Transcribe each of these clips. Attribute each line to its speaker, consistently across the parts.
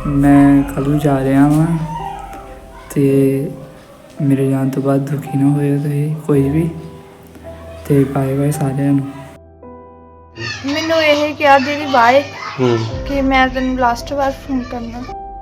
Speaker 1: मैं कल नूं जा रहा वां ते मेरे जान तो बाद दुखी ना होए तुसीं कोई भी ते बाय बाय सारिਆਂ ਨੂੰ।
Speaker 2: ਮੈਨੂੰ ਇਹ ਕਿਹਾ ਦੀਦੀ ਬਾਏ ਕਿ ਮੈਂ ਤੈਨੂੰ ਲਾਸਟ ਵਾਰ ਫੋਨ ਕਰਨਾ।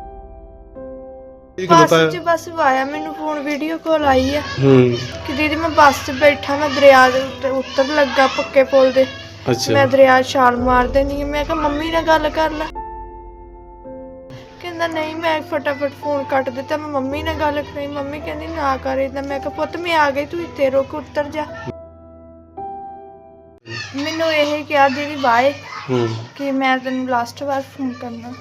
Speaker 2: ਬੱਸ ਆਇਆ ਮੈਨੂੰ ਫੋਨ ਵੀਡੀਓ ਕਾਲ ਆਈ ਆ ਕਿ ਦੀਦੀ ਮੈਂ ਬੱਸ 'ਚ ਬੈਠਾ ਮੈਂ ਦਰਿਆ ਦੇ ਉੱਤੇ ਉੱਤਰ ਲੱਗਾ ਪੱਕੇ ਪੁਲ ਦੇ। ਮੈਂ ਦਰਿਆ 'ਚ ਛਾਲ ਮਾਰ ਦੇਣੀ। ਮੈਂ ਕਿਹਾ ਮੰਮੀ ਨਾਲ ਗੱਲ ਕਰ ਲੈ। ਕਹਿੰਦਾ ਨਹੀਂ। ਮੈਂ ਫਟਾਫਟ ਫੋਨ ਕੱਟ ਦਿੱਤਾ। ਮੈਂ ਮੰਮੀ ਨਾਲ ਗੱਲ ਕਰੀ। ਮੰਮੀ ਕਹਿੰਦੀ ਨਾ ਕਰ ਏਦਾਂ। ਮੈਂ ਕਿਹਾ ਪੁੱਤ ਮੈਂ ਆ ਗਈ ਤੂੰ ਇੱਥੇ ਰੁਕ ਉੱਤਰ ਜਾ। ਮੈਨੂੰ ਇਹ ਕਿਹਾ ਦੀਦੀ ਬਾਏ ਕਿ ਮੈਂ ਤੈਨੂੰ ਲਾਸਟ ਵਾਰ ਫੋਨ ਕਰਨਾ।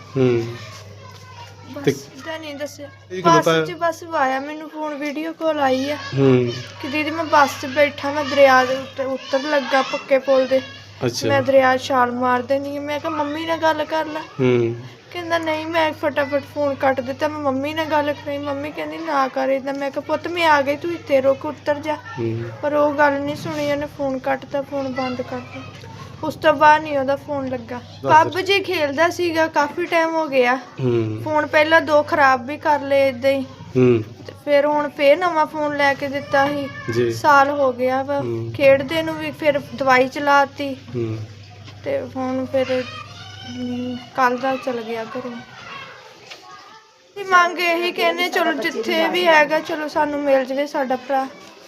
Speaker 2: ਬਸ ਦਾ ਨਹੀਂ ਦੱਸਿਆ। ਬੱਸ ਆਇਆ ਮੈਨੂੰ ਫੋਨ ਵੀਡੀਓ ਕਾਲ ਆਈ ਆ ਕਿ ਦੀਦੀ ਮੈਂ ਬੱਸ 'ਚ ਬੈਠਾ ਮੈਂ ਦਰਿਆ ਦੇ ਉੱਤੇ ਉੱਤਰ ਲੱਗਾ ਪੱਕੇ ਪੁਲ ਦੇ। ਮੈਂ ਦਰਿਆ 'ਚ ਛਾਲ ਮਾਰ ਦੇਣੀ। ਮੈਂ ਕਿਹਾ ਮੰਮੀ ਨਾਲ ਗੱਲ ਕਰ ਲੈ। ਕਹਿੰਦਾ ਨਹੀਂ। ਮੈਂ ਫਟਾਫਟ ਫੋਨ ਕੱਟ ਦਿੱਤਾ। ਮੈਂ ਮੰਮੀ ਨਾਲ ਗੱਲ ਕਰੀ। ਮੰਮੀ ਕਹਿੰਦੀ ਨਾ ਕਰ ਏਦਾਂ। ਮੈਂ ਕਿਹਾ ਪੁੱਤ ਮੈਂ ਆ ਗਈ ਤੂੰ ਇੱਥੇ ਰੁਕ ਉੱਤਰ ਜਾ। ਪਰ ਉਹ ਗੱਲ ਨਹੀਂ ਸੁਣੀ। ਉਹਨੇ ਫੋਨ ਕੱਟਤਾ ਫੋਨ ਬੰਦ ਕਰਤਾ। ਉਸ ਤੋਂ ਬਾਅਦ ਨਹੀਂ ਉਹਦਾ ਫੋਨ ਲੱਗਾ। PUBG ਖੇਲਦਾ ਸੀਗਾ ਕਾਫੀ ਟਾਈਮ ਹੋ ਗਿਆ। ਫੋਨ ਪਹਿਲਾਂ 2 ਖਰਾਬ ਵੀ ਕਰ ਲਏ ਏਦਾਂ ਹੀ। ਤੇ ਫਿਰ ਹੁਣ ਫੇਰ ਨਵਾਂ ਫੋਨ ਲੈ ਕੇ ਦਿੱਤਾ ਸੀ। ਸਾਲ ਹੋ ਗਿਆ ਵਾ ਖੇਡਦੇ ਨੂੰ ਵੀ। ਫਿਰ ਦਵਾਈ ਚਲਾਤੀ ਤੇ ਹੁਣ ਫਿਰ ਕੱਲ ਦਾ ਚਲ ਗਿਆ ਘਰੋਂ। ਮੰਗ ਇਹੀ ਕਹਿੰਦੇ ਚਲੋ ਜਿੱਥੇ ਵੀ ਹੈਗਾ ਚਲੋ ਸਾਨੂੰ ਮਿਲ ਜਾਵੇ ਸਾਡਾ ਭਰਾ।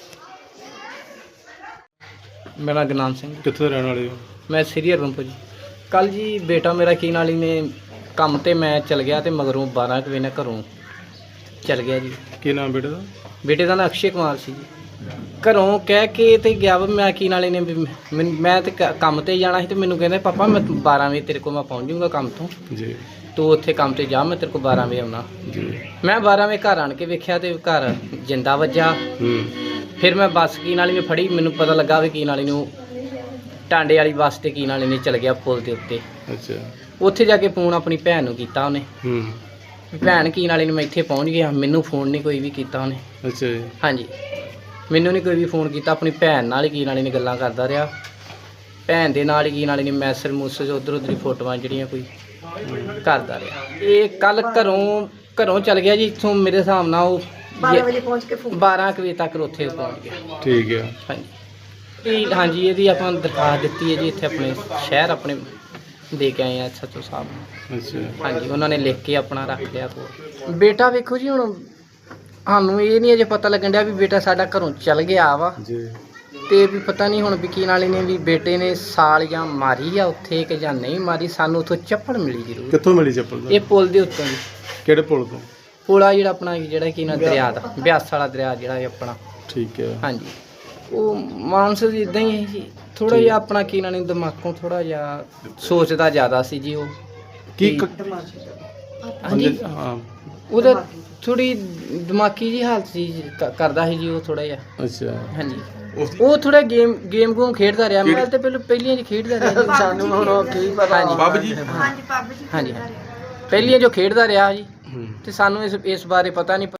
Speaker 3: ਮੇਰਾ ਗੁਰਨਾਮ ਸਿੰਘ।
Speaker 4: ਕਿੱਥੋਂ ਦੇ ਰਹਿਣ ਵਾਲੇ ਹੋ?
Speaker 3: ਮੈਂ ਸ੍ਰੀ ਹਰਮਨਪੁਰ ਜੀ। ਕੱਲ ਜੀ ਬੇਟਾ ਮੇਰਾ ਕੀ ਨਾਲ ਹੀ ਨੇ ਕੰਮ ਤੇ ਮੈਂ ਚਲ ਗਿਆ ਤੇ ਮਗਰੋਂ 12 ਕੁ ਵਜੇ ਨਾਲ ਘਰੋਂ ਚਲ ਗਿਆ ਜੀ।
Speaker 4: ਕੀ ਨਾਮ ਬੇਟੇ ਦਾ?
Speaker 3: ਬੇਟੇ ਦਾ ਨਾਂ ਅਕਸ਼ੇ ਕੁਮਾਰ ਸੀ ਜੀ। ਘਰੋਂ ਕਹਿ ਕੇ ਤੇ ਗਿਆ ਵਾ। ਮੈਂ ਕੀ ਨਾਲੇ ਨੇ ਮੈਂ ਤੇ ਕੰਮ ਤੇ ਜਾਣਾ ਸੀ ਤੇ ਮੈਨੂੰ ਕਹਿੰਦੇ ਪਾਪਾ ਮੈਂ 12 ਵਜੇ ਤੇਰੇ ਕੋਲ ਮੈਂ ਪਹੁੰਚ ਜਾਊਂਗਾ ਕੰਮ ਤੋਂ
Speaker 4: ਜੀ।
Speaker 3: ਤੂੰ ਉੱਥੇ ਕੰਮ ਤੇ ਜਾ ਮੈਂ ਤੇਰੇ ਕੋਲ 12 ਵਜੇ ਆਉਣਾ
Speaker 4: ਜੀ।
Speaker 3: ਮੈਂ 12 ਵਜੇ ਘਰ ਆਣ ਕੇ ਵੇਖਿਆ ਤੇ ਘਰ ਜਿੰਦਾ ਵੱਜਾ। ਫਿਰ ਮੈਂ ਬੱਸ ਕੀ ਨਾਲੀ ਮੈਂ ਫੜੀ। ਮੈਨੂੰ ਪਤਾ ਲੱਗਾ ਵੀ ਕੀ ਨਾਲੀ ਨੂੰ ਟਾਂਡੇ ਵਾਲੀ ਬੱਸ ਤੇ ਕੀ ਨਾਲੀ ਨੇ ਚਲ ਗਿਆ ਪੁਲ ਦੇ ਉੱਤੇ।
Speaker 4: ਅੱਛਾ।
Speaker 3: ਉੱਥੇ ਜਾ ਕੇ ਫੋਨ ਆਪਣੀ ਭੈਣ ਨੂੰ ਕੀਤਾ ਉਹਨੇ। ਭੈਣ ਕੀ ਨਾਲੀ ਨੂੰ ਮੈਂ ਇੱਥੇ ਪਹੁੰਚ ਗਿਆ। ਮੈਨੂੰ ਫੋਨ ਨਹੀਂ ਕੋਈ ਵੀ ਕੀਤਾ ਉਹਨੇ।
Speaker 4: ਅੱਛਾ ਜੀ। ਹਾਂਜੀ।
Speaker 3: ਮੈਨੂੰ ਨਹੀਂ ਕੋਈ ਵੀ ਫੋਨ ਕੀਤਾ। ਆਪਣੀ ਭੈਣ ਨਾਲ ਹੀ ਕੀ ਨਾਲੀ ਨੇ ਗੱਲਾਂ ਕਰਦਾ ਰਿਹਾ। ਭੈਣ ਦੇ ਨਾਲ ਹੀ ਕੀ ਨਾਲੀ ਨੇ ਮੈਸੇਜ ਉੱਧਰ ਉੱਧਰ ਫੋਟੋਆਂ ਜਿਹੜੀਆਂ ਕੋਈ ਕਰਦਾ ਰਿਹਾ। ਇਹ ਕੱਲ ਘਰੋਂ ਚਲ ਗਿਆ ਜੀ ਇੱਥੋਂ ਮੇਰੇ ਹਿਸਾਬ ਨਾਲ ਉਹ 12 ਵਜੇ ਪਹੁੰਚ ਕੇ 12 ਵਜੇ ਤੱਕ ਉੱਥੇ ਪਹੁੰਚ ਗਿਆ।
Speaker 4: ਠੀਕ ਹੈ।
Speaker 3: ਹਾਂਜੀ ਇਹਦੀ ਆਪਾਂ ਦਰਖਾਸਤ ਦਿੱਤੀ ਹੈ ਜੀ ਇੱਥੇ ਆਪਣੇ ਸ਼ਹਿਰ ਆਪਣੇ ਦੇ ਕੇ ਆਏ ਆ SHO ਸਾਹਿਬ ਨੂੰ।
Speaker 4: ਅੱਛਾ।
Speaker 3: ਹਾਂਜੀ ਉਹਨਾਂ ਨੇ ਲਿਖ ਕੇ ਆਪਣਾ ਰੱਖ ਲਿਆ ਕੋਲ। ਬੇਟਾ ਵੇਖੋ ਜੀ ਹੁਣ ਸਾਨੂੰ ਇਹ ਨਹੀਂ ਅਜੇ ਪਤਾ ਲੱਗਣ ਡਿਆ ਵੀ ਬੇਟਾ ਸਾਡਾ ਘਰੋਂ ਚਲ ਗਿਆ ਵਾ
Speaker 4: ਜੀ।
Speaker 3: ਤੇ ਵੀ ਪਤਾ ਨਹੀਂ ਹੁਣ ਵਕੀਲ ਵਾਲੇ ਨੇ ਵੀ ਬੇਟੇ ਨੇ ਸਾਲ ਜਾਂ ਮਾਰੀ ਆ ਉੱਥੇ ਕਿ ਜਾਂ ਨਹੀਂ ਮਾਰੀ। ਸਾਨੂੰ ਉੱਥੋਂ ਚੱਪਲ ਮਿਲੀ ਜ਼ਰੂਰ।
Speaker 4: ਕਿੱਥੋਂ ਮਿਲੀ ਚੱਪਲ?
Speaker 3: ਇਹ ਪੁਲ ਦੇ ਉੱਤੋਂ ਜੀ।
Speaker 4: ਕਿਹੜੇ ਪੁਲ ਤੋਂ?
Speaker 3: ਪੁਲ ਆ ਜਿਹੜਾ ਆਪਣਾ ਜਿਹੜਾ ਕੀ ਨਾ ਦਰਿਆ ਦਾ ਬਿਆਸ ਵਾਲਾ ਦਰਿਆ ਜਿਹੜਾ ਇਹ ਆਪਣਾ।
Speaker 4: ਠੀਕ ਹੈ। ਹਾਂਜੀ। ਉਹ
Speaker 3: ਮਾਨਸ ਜੀ ਇਦਾਂ ਹੀ ਹੈ ਜੀ। ਥੋੜਾ ਜਿਹਾ ਆਪਣਾ ਕੀ ਨਾਲੇ ਦਿਮਾਗੋਂ ਥੋੜਾ ਜਿਹਾ ਸੋਚਦਾ ਜ਼ਿਆਦਾ ਸੀ ਜੀ ਉਹ।
Speaker 4: ਕੀ
Speaker 3: ਹਾਂਜੀ
Speaker 4: ਹਾਂ
Speaker 3: ਉਹਦਾ ਥੋੜੀ ਦਿਮਾਗੀ ਜੀ ਹਾਲਤ ਸੀ ਕਰਦਾ ਸੀ ਜੀ ਉਹ ਥੋੜਾ ਜਿਹਾ।
Speaker 4: ਅੱਛਾ।
Speaker 3: ਹਾਂਜੀ ਉਹ ਥੋੜਾ ਗੇਮ ਗੂਮ ਖੇਡਦਾ ਰਿਹਾ। ਮੈਂ ਤੇ ਪਹਿਲੀਆਂ ਜੀ ਖੇਡਦਾ ਰਿਹਾ ਜੀ। ਸਾਨੂੰ ਹੁਣ ਕੀ ਪਤਾ।
Speaker 4: PUBG।
Speaker 3: ਹਾਂਜੀ ਪਹਿਲੀਆਂ ਜੋ ਖੇਡਦਾ ਰਿਹਾ ਜੀ ਤੇ ਸਾਨੂੰ ਇਸ ਬਾਰੇ ਪਤਾ ਨਹੀਂ।